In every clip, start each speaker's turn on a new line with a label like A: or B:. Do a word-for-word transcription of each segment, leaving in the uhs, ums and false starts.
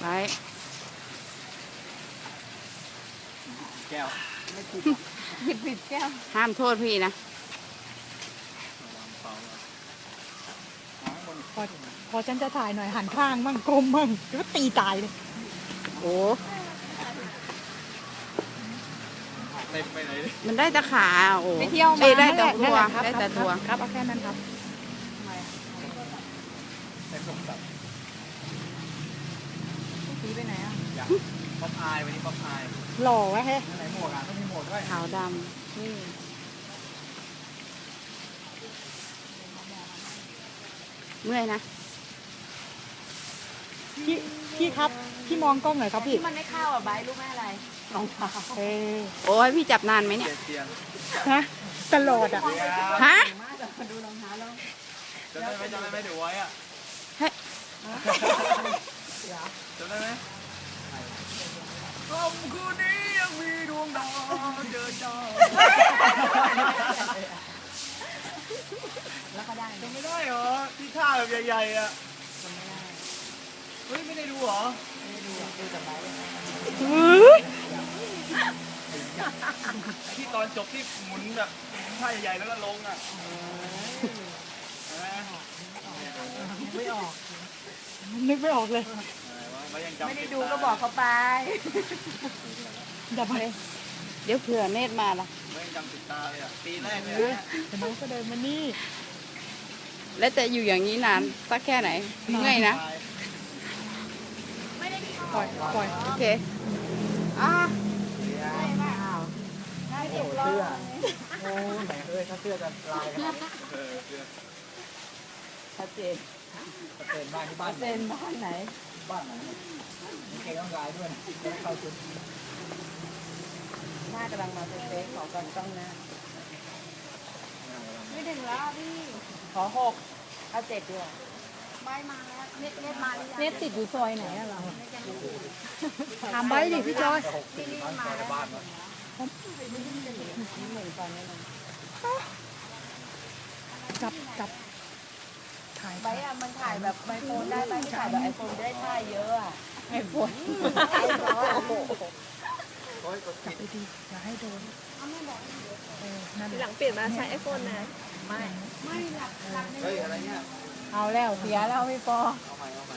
A: ไว้
B: แก้ว
C: ไม่ผิดหยิบผิดแก้ว
A: ห้ามโทษพี่นะ
C: พอพอฉันจะถ่ายหน่อยหันข้างมั่งกลมมั่งก็ตีตายเลย
A: โอ้
B: เต็มไปไหนเลย
A: มันได้แต่ขาโอ้
C: ไปเที่ยวมา
A: ได้แต่ตัวได้แต่ตัว
C: ครับเอาแค่นั้นครับ
B: เต็มสมศักดิ์
C: ตีไปไหนอ่ะ
B: ป๊อปอายวันนี้ป๊อปอาย
C: หล่อวะเฮ้
B: ไหนหมวกอ่ะต้องมีหมวกด้วย
A: ขาวดำนี่เมื่อยนะ
C: พี่พี่ครับพี่มองกล้องหน่อยครับพี่
D: ที่มันไม่เข้าอ่ะใบรู้ไหมอะไรรองเท้า
C: เออ
A: โอ้ยพี่จับนานไหมเนี่ย
C: ฮะตลอดอ่ะ
A: ฮะ
D: ดูรองเท้าแล้ว
B: จำได้ไหมจำได้ไหมเดี๋ยวไว้อ่ะ
A: เฮ้ย
B: จำได้ไหมคำคืนนี้ยังมีดวงดาวเดินดาว
D: แล้วก็ได้
B: จำไม่ได้เหรอที่ท่าแบบใหญ่ๆอ่ะ
D: จำไม่ได้
B: เฮ้ยไม่ได้ดูเหรอ
D: ไม่ได้ดูดูแต่ใบ
B: ที่ตอนจบที่หมุนแบบท่าใหญ่ๆแล้วก็ลงอ่ะ
C: ไม่ออกนึกไม่ออกเลย
D: ไม่ได้ดูก็บอกเขาไป
C: ดับไป
A: เดี๋ยวเผื่อเนตรมาล่ะ
B: ไม่จำติดตาเลยอ่ะปีแรกเลย
C: แต่น้องก็เดินมานี่
A: แล้วจะอยู่อย่างนี้นานสักแค่ไหนเมื่อยนะ
C: ปล่อยปล่อย
A: โอเคอ่ะ
B: ได้เสื้อโอ้ไหนเอ้ยถ้าเสื้อจะลายกันเออเสื้อ
A: ชัดเจน
B: ชัดเจนบ้านที่บ้าน
A: เจนบ้านไหน
B: บ้านไหนมีเกงต้องลายด้วยไม่เข้าชุด
A: หน้ากำลังมาเซ็กขอก่อนต้องนะ
D: ไม่ถึงแล้วพี่
A: ขอหกเอาเจ็ดด้วย
D: ใบมาแล้วเน็ตเน็ตมาหรือยัง
C: เน็ตติดอยู่ซอยไหนอะเราถามใบดิพี่จอย
D: ที่นี่มาแล้ว
C: จับจับถ่าย
D: ใบอะมันถ่ายแบบไอโฟนได้ใบที่ถ่ายแบบไอโฟนได้ท่าเยอะอะ
A: ไอโฟน
C: จับไปดีอย่าให้โดน
D: หลังเปลี่ยนมาใช้ไอโฟนนะ
A: ไม่
D: ไม่หลักหลัก
B: เฮ้ยอะไรเนี่ย
A: เอาแล้วเสียแล้วพี่ปอ
B: เอาใหม่เอาใหม่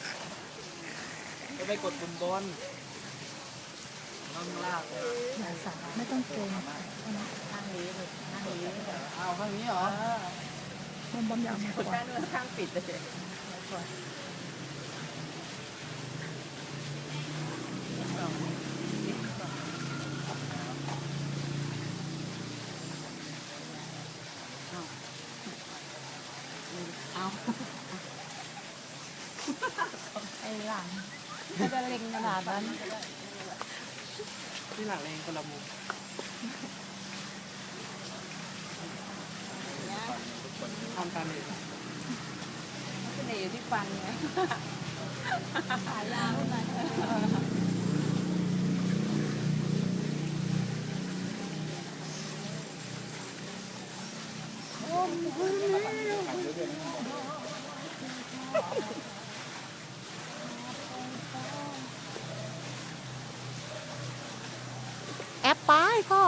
B: จะไปกดบุญบนต้องลากเลย
C: ไม่ต้องเกรง
A: ข้างนี้เลยข้างนี้เอาข้างนี้เหรอ
C: บอมบอมยาวมาก่อน
A: ข้างนู้นข้างปิดเลยเอา
C: ไอ้หลังก็จะเล็งขนาดนั้น
B: ที่หลังเองคนละมุมทำกันเลย
A: เสน่ห์อยู่ที่ฟันไง
D: ขายาวหน่อย
C: แอปป้ายพ่อ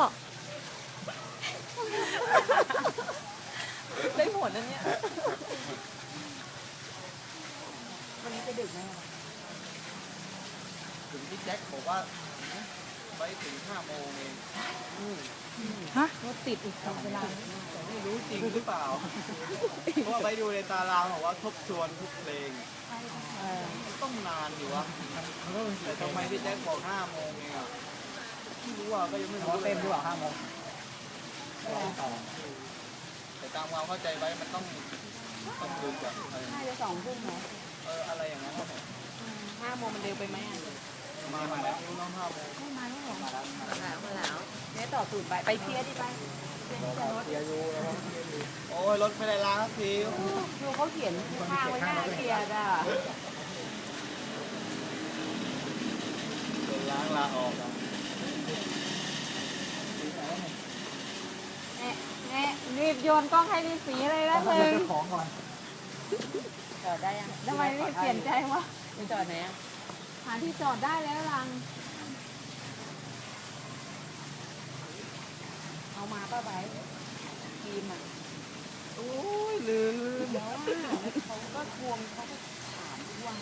A: ได้หมดนะเนี่ย
D: วันนี้จะดึกไหม
B: ถึงที่แจ็คบอกว่าไปถึงห้าโมงเอง
C: ฮะรถติดอีกเวลา
B: ไม่รู้จริงหรือเปล่าเพราะว่าไปดูในตารางบอกว่าทบทวนทุกเพลงต้องนานอยู่วะแต่ทำไมพี่แจ็คบอกห้าโมงเองอ่ะไม่รู้อ่ะก็ยังไม่รู้เต็มหรือเปล่าห้าโมงแต่ตามความเข้าใจไว้มันต้องต้องคืนแบบ
A: น่าจะสองทุ่มเหรอ
B: เอออะไรอย่างนั้น
A: ห้าโมงมันเร็วไปไหมอ่ะ
B: มามาแล้วน้องห้าโมง
A: ไม่มาแล้วหรอมาแล้วมาแล้วมาแล้วเนี่ยต่อสูตรไปไปเคลียร์ดิไป
B: เคลียร์อยู่โอ้ยรถไม่ได้ล้างสักที
A: ดูเขาเขียนข้างไว้หน้าเคลียร์อ่ะ
B: ล้างลาออกอ่ะ
A: รีบโยนกล้องให้รีบสีเลยนะเลย
B: ของก่อน
A: จอดได้ยังทำไมรีบเปลี่ยนใจวะไปจอดไหนอ่ะหาที่จอดได้แล้วลัง
D: เอามาป้าใบทีมอ่ะ
B: โอ้ยลืม
D: เดี๋ยวว่าเขาก็ทวงเขาก็ถามทวง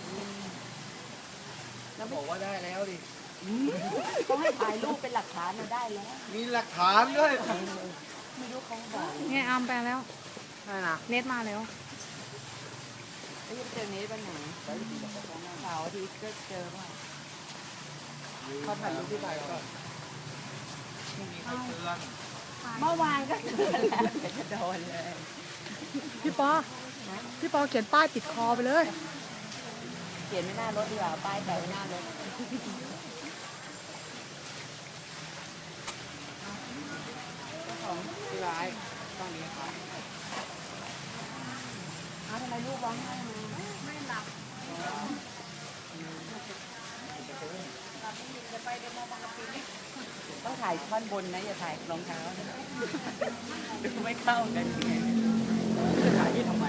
B: แล้วบอกว่าได้แล้วดิ
D: เขาให้ถ่ายรูปเป็นหลักฐานมาได้แล้ว
B: มีหลักฐานด้วย
D: ไม่รู้เขาบอก
C: เนี่ยอามไปแล้ว
B: นั่นนะ
C: เน็ตมาแล้ว
D: ไอ้ยังเจอเนสวันไหนเสาร์อาทิตย์ก็เจอว่า
B: เขาถ่ายรูปที่ไหนก่อนพรุ่งนี้เขาเตือน
D: เมื่อวานก็เจอแล้วเดี๋ยวจะโดนเลย
C: พี่ปอ พี่ปอเขียนป้ายติดคอไปเลย
D: เขียนไม่หน้ารถดีกว่าป้ายแปะไว้หน้ารถ
A: ที่ร้ายต้องนี้ครับ
D: อ้าวทำไมลูกร้องไห้มาไม่หลับต้องถ่ายท่อนบนนะอย่าถ่ายรองเท้าดูไม่เข้ากันไง
B: จะถ่ายที่ทำไม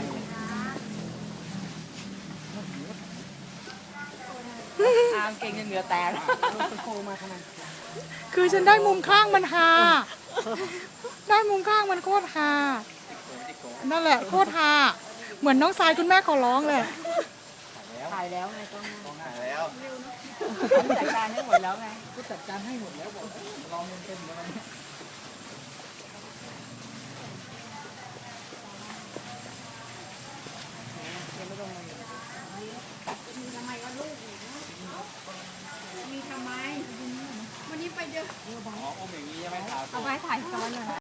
D: อามเก่งจนเหงื่อแตกโคมาขนาด
C: คือฉันได้มุมข้างมันฮาได้มุมข้างมันโคตรฮานั่นแหละโคตรฮาเหมือนน้องทรายคุณแม่ขอร้องเลย
D: ถ่ายแล้วไงต้อง
B: ถ่ายแล้ว
D: จัดการให้หมดแล้วไง
B: ก็จัดการให้หมดแล้วบอกลองเต็มๆเลย